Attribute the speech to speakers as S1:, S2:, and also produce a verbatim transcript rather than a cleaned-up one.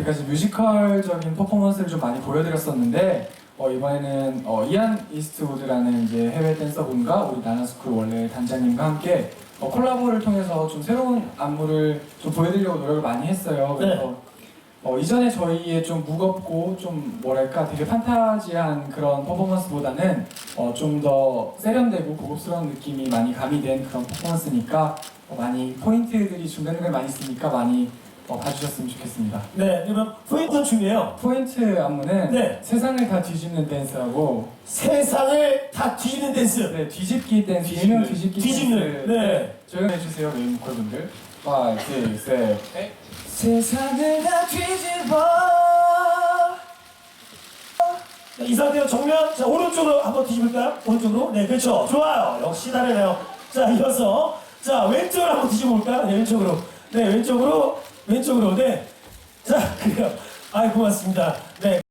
S1: 여태까지 뮤지컬적인 퍼포먼스를 좀 많이 보여드렸었는데 어, 이번에는 어, 이안 이스트우드라는 이제 해외 댄서분과 우리 나나스쿨 원래 단장님과 함께 어, 콜라보를 통해서 좀 새로운 안무를 좀 보여드리려고 노력을 많이 했어요. 그래서
S2: 네.
S1: 어, 이전에 저희의 좀 무겁고 좀 뭐랄까 되게 판타지한 그런 퍼포먼스보다는 어, 좀 더 세련되고 고급스러운 느낌이 많이 가미된 그런 퍼포먼스니까 어, 많이 포인트들이 준비되는 게 많이 있으니까 많이 어, 봐주셨으면 좋겠습니다.
S2: 네, 그러면 포인트 중이에요.
S1: 포인트 안무는
S2: 네.
S1: 세상을 다 뒤집는 댄스하고
S2: 세상을 다 뒤집는 댄스.
S1: 네, 뒤집기 댄스,
S2: 뒤집는,
S1: 일명 뒤집기
S2: 뒤집는,
S1: 댄스
S2: 네.
S1: 조용해주세요 메인 보컬분들 오, 육, 칠
S2: 세상을 다 뒤집어. 자, 이 상태로 정면, 자, 오른쪽으로 한번 뒤집을까요? 오른쪽으로? 네, 그렇죠. 좋아요. 역시 다르네요. 자, 이어서, 자, 왼쪽으로 한번 뒤집어볼까요? 네, 왼쪽으로. 네, 왼쪽으로, 왼쪽으로. 네. 자, 그래요. 아이, 고맙습니다. 네.